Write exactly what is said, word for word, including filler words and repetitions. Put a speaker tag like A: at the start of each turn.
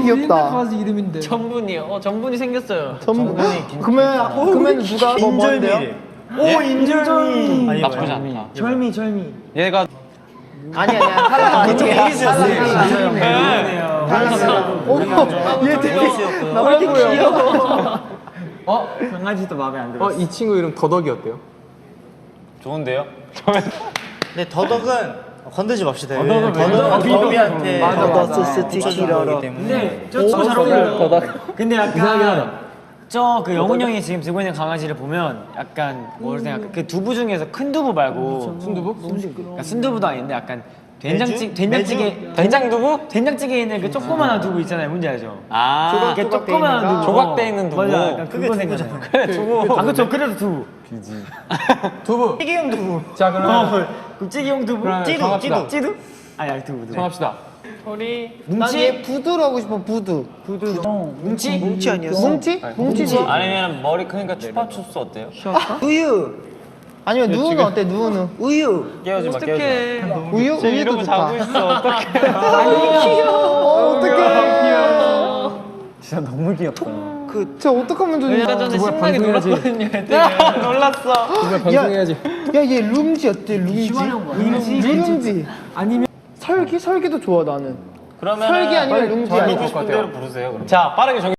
A: 귀엽다.
B: 강아지 이름인데.
C: 전분이요. 어 전분이 생겼어요.
A: 전분. 그러면 그러면 누가 뭐 뭔데요?
D: 오 인절미. 아니
C: 나쁘지 않다.
D: 절미 절미.
C: 얘가
A: 아니 아니야. 탈락 아니에요.
D: 이기세요.
A: 탈락. 얘 되게 나빠 보여.
D: 어 강아지도 마음에 안 들어.
B: 어, 이 친구 이름 더덕이 어때요?
C: 좋은데요?
E: 근데 더덕은 건들지 맙시다.
D: 더덕은
E: 더덕은
D: 왜?
E: 더비한테
A: 맞아, 맞아.
E: 스티키라고 때문에.
D: 근데 저 친구 잘 어울려요. 근데
B: 이상하긴 하다.
D: 약간 저 그 영훈 형이 지금 들고 있는 강아지를 보면 약간 뭘 생각? 그 두부 중에서 큰 두부 말고
B: 순두부?
D: 그러니까 순두부도 아닌데 약간 된장찌 된장찌개
C: 된장두부?
D: 된장찌개에 있는 그 조그만한 두부 있잖아요. 뭔지 알죠?
C: 아
D: 그 조그만한 두부.
C: 조각돼 있는 두부.
D: 맞아, 약간 그거 생각나요.
C: 그래 두부.
D: 아 그쵸, 그래도 두부.
B: 두부.
E: 찌개용 두부.
B: 자, 그러면
D: 그 찌개용 두부.
B: 그러면
D: 찌두,
B: 정합시다.
D: 찌두, 찌두? 아니 아니 두부 두부.
B: 정합시다.
C: 소리.
A: 난얘 부두로 하고 싶어. 부두. 부두.
D: 뭉치?
A: 뭉치 아니었어? 뭉치? 뭉치지.
C: 아니면 머리 크니까 추파춥스 어때요?
A: 우유. 아니면 누우는 어때? 누우는. 우유.
C: 깨우지 마 깨우지 마.
A: 우유?
C: 지금
A: 우유도
C: 이러고
A: 좋다.
C: 자고 있어. 어떡해.
A: 아니 귀여워. 어떡해.
D: 진짜 너무 귀엽다.
A: 그저 어떡하면 좋냐.
C: 아까 전에
B: 두부야,
C: 신나게
B: 방송해야지.
C: 놀았거든요. 애들이. 놀랐어.
B: 두부야, 방송해야지.
A: 야얘 룸지 어때? 룸지.
D: 룸지?
A: 룸지.
B: 아니면
A: 설기 설기도 좋아 나는.
C: 그러면
A: 설기 아니면 룸지
B: 저희
A: 아니야.
B: 것 같아요.
C: 부르세요. 그럼. 자 빠르게 정해.